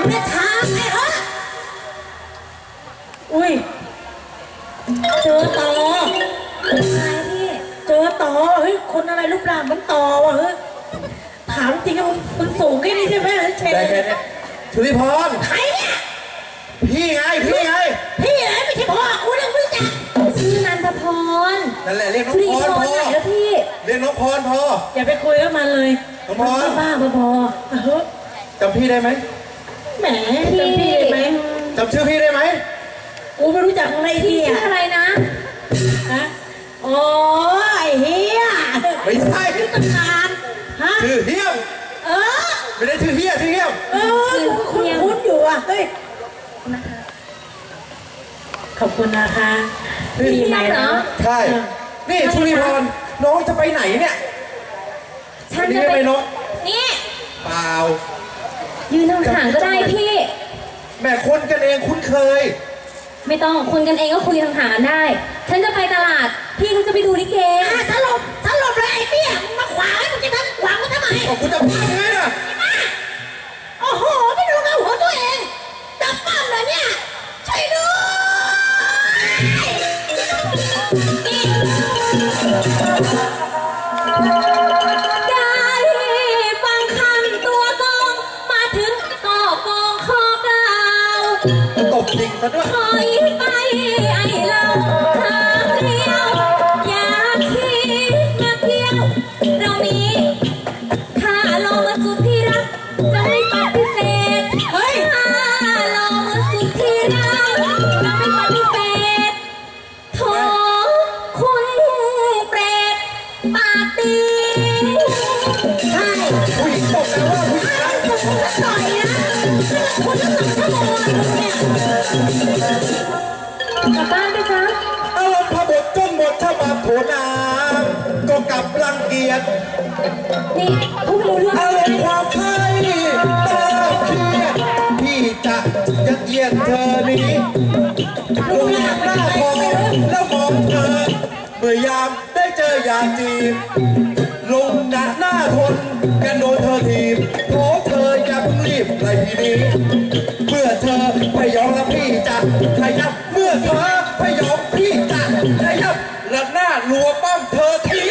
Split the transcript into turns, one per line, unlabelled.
ในทางไอ้เหรออุ้ยเจอต่ออะไรพี่เจอต่อเฮ้ยคนอะไรรูปร่างมันต่อวะเฮ้ยถามจริงมึงสูงแค่นี้ใช่ไหมเชน
ชุติพร
ใครเนี่ย
พี่ไงพี่ไหน
ไม่ใช่พ่อกูนะมึงจ้ะชื่อนันทพร
นั่นแหละเรียกน้องพรพอ
แล้วพี่
เรียกน้องพรพอ
อย่าไปคุยกับมันเลย
น้องพร
บ้าพอ
จำพี่ได้ไหม
แหมจำพี่ได้ไหม
จำชื่อพี่ได้ไหม
กูไม่รู้จักอะไรพี่ชื่ออะไรนะฮะโอ้ยเฮีย
ไม่ใช่
ชื่อตำนานฮะ
ชื่อเฮี้ยมไม่ได้ชื่อเฮี้ยชื่อเฮี้ยมคุ้นอยู่อ่ะเฮ้ย
ขอบคุณนะคะพี่ใหม่เนาะ
ใช่นี่ชุติพรน้องจะไปไหนเนี่ย
ฉันจะไปน้องนี่
เปล่า
ยืนห่างๆก็ได้พี่
แม่คนกันเองคุ้นเคย
ไม่ต้องคนกันเองก็คุยห่างๆกันได้ฉันจะไปตลาดพี่ก็จะไปดูลิเกสลบเลยไอ้เปี้ยมึงมาขวางมึงจะมาขวางกูทำไม
กูจะพาไงล่ะ
โอ้โหไม่ดูกับหัวตัวเองจับปั้มเลยเนี่ยใช่ด้วยฟังคำตัวกองมาถึงก็กองคอเก่า
ตบจริงซะด้วย
ถอยไปไอ้เราทางเดียวอย่าคิดมาเที่ยวเรามีถ้าลงมาสุดที่รักจะไม่ปฏิเสธถ้าลงมาสุดที่รักจะไม่ปฏิเสธโถคุณเปรตปากตีใช่
ผู้หญิงตบแต่ว่าผู้หญิงรัก
คุณจะต่อยนะคุณจะต่อยชั่วโมงเนี่ยกลับบ้านไปจ้ะ
อารมณ์พบทจนหมดฉบับโถนาก็กลับรังเกียจ
นี่พูดไม่รู้เรื่อง
อารมณ์ความใคร่ตาเครียดพี่จะยัดเยียดเธอนี้ลงหน้าทองแล้วมองเธอเมื่อยามได้เจออยากจีบลงหน้าทนกันโดนเธอทีบขอเธออย่าเพิ่งรีบไรทีนี้เมื่อเธอไม่ยอมแล้วพี่จะขยับเมื่อเธอไม่ยอมพี่จะขยับแล้วหน้ารัวป้อมเธอที